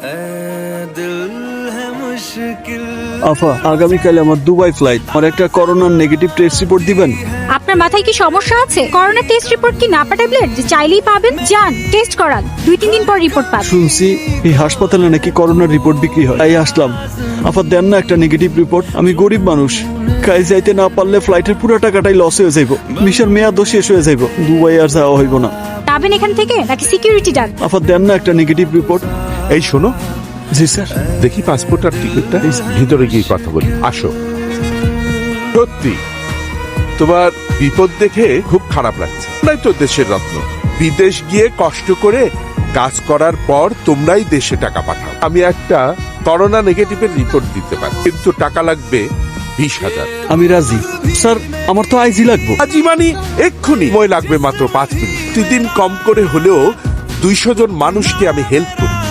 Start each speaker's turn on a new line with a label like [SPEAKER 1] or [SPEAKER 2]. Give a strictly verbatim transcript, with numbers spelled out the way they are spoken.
[SPEAKER 1] আফা, আগামীকাল আমার দুবাই ফ্লাইট। আমার একটা করোনার নেগেটিভ টেস্ট রিপোর্ট দিবেন?
[SPEAKER 2] আপনার মাথায় কি সমস্যা আছে? করোনা টেস্ট রিপোর্ট কি নাপা ট্যাবলেট যে চাইলেই পাবেন? যান টেস্ট করান, দুই তিন দিন পর রিপোর্ট পাবেন।
[SPEAKER 1] শুনছি এই হাসপাতালে নাকি করোনার রিপোর্ট বিক্রি হয়, তাই আসলাম। আফা দেন না একটা নেগেটিভ রিপোর্ট। আমি গরিব মানুষ, কাজ যাইতে না পারলে ফ্লাইটের পুরো টাকাটাই লস হয়ে যাইব। ভিসার মেয়াদও শেষ হয়ে যাইব, দুবাই আর যাওয়া হইব না।
[SPEAKER 2] যাবেন এখান থেকে নাকি সিকিউরিটি ডাক?
[SPEAKER 1] আফা দেন না একটা নেগেটিভ রিপোর্ট।
[SPEAKER 3] এই শোনো,
[SPEAKER 1] জি স্যার।
[SPEAKER 3] দেখি পাসপোর্ট আর টিকিটটা, ভিতরে গিয়ে কথা বলি। আসো। সত্যি তোমার বিপদ দেখে খুব খারাপ লাগছে। নাই তো দেশের রত্ন, বিদেশ গিয়ে কষ্ট করে কাজ করার পর তোমরাই দেশে টাকা পাঠাও। আমি একটা করোনা নেগেটিভের রিপোর্ট দিতে পারি, কিন্তু টাকা লাগবে বিশ হাজার।
[SPEAKER 1] আমি রাজি স্যার, আমার তো আইজি লাগবো।
[SPEAKER 3] আজি মানে এক্ষুনি, সময় লাগবে মাত্র পাঁচ মিনিট। প্রতিদিন কম করে হলেও দুইশো জন মানুষকে আমি হেল্প করি।